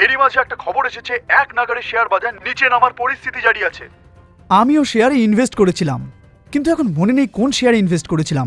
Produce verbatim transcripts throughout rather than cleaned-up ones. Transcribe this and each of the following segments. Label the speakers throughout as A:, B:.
A: এরই মাঝে একটা খবর এসেছে এক নাগাড়ে শেয়ার বাজার নিচে নামার পরিস্থিতি জারি আছে।
B: আমিও শেয়ারে ইনভেস্ট করেছিলাম, কিন্তু এখন মনে নেই কোন শেয়ারে ইনভেস্ট করেছিলাম।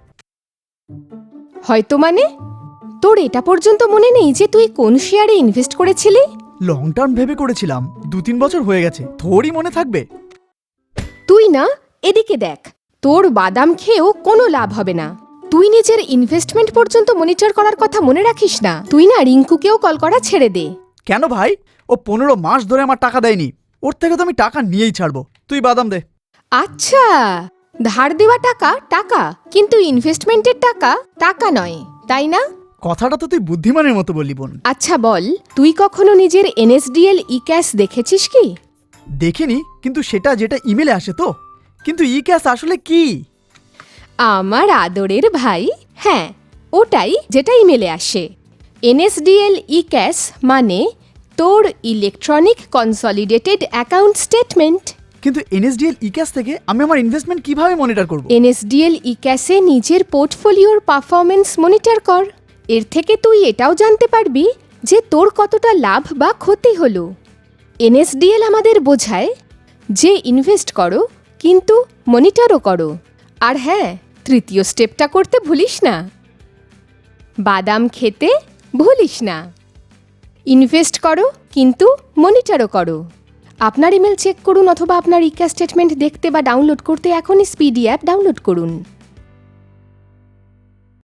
C: হয়তো মানে তোর এটা পর্যন্ত মনে নেই যে তুই কোন শেয়ারে ইনভেস্ট করেছিলি?
B: লং টার্ম ভেবে করেছিলাম, দু তিন বছর হয়ে গেছে, থোড়ই মনে থাকবে।
C: তুই না এদিকে দেখ, তোর বাদাম খেয়েও কোনো লাভ হবে না। তুই নিজের ইনভেস্টমেন্ট পর্যন্ত মনিটর করার কথা মনে রাখিস না। তুই না রিঙ্কুকেও কল করা ছেড়ে দে।
B: কেন ভাই? ও পনেরো মাস ধরে আমার টাকা দেয়নি, ওর থেকে তো আমি টাকা নিয়েই ছাড়বো। তুই বাদাম দে।
C: আচ্ছা, ধার দেওয়া টাকা টাকা, কিন্তু ইনভেস্টমেন্টের টাকা টাকা নয়, তাই না?
B: কথাটা তো তুই বুদ্ধিমানের মতো বললি বোন।
C: আচ্ছা বল, তুই কখনো নিজের এনএসডিএল ই ক্যাশ দেখেছিস কি?
B: দেখিনি, কিন্তু সেটা যেটা ইমেলে আসে তো। কিন্তু ই ক্যাশ আসলে কি?
C: আমার আদরের ভাই, হ্যাঁ ওটাই যেটা ইমেলে আসে। এনএসডিএল ই ক্যাশ মানে তোর ইলেকট্রনিক কনসলিডেটেড অ্যাকাউন্ট স্টেটমেন্ট।
B: কিন্তু এনএসডিএল ই ক্যাশ থেকে আমি আমার ইনভেস্টমেন্ট কিভাবে মনিটর করব?
C: এনএসডিএল ই ক্যাশে নিজের পোর্টফোলিওর পারফরমেন্স মনিটর কর। এর থেকে তুই এটাও জানতে পারবি যে তোর কতটা লাভ বা ক্ষতি হলো। এনএসডিএল আমাদের বোঝায় যে ইনভেস্ট করো কিন্তু মনিটরও করো। আর হ্যাঁ, তৃতীয় স্টেপটা করতে ভুলিস না, বাদাম খেতে ভুলিস না। ইনভেস্ট করো কিন্তু মনিটরও করো। আপনার ইমেল চেক করুন অথবা আপনার ই ক্যাশ স্টেটমেন্ট দেখতে বা ডাউনলোড করতে এখনই স্পিডি অ্যাপ ডাউনলোড করুন।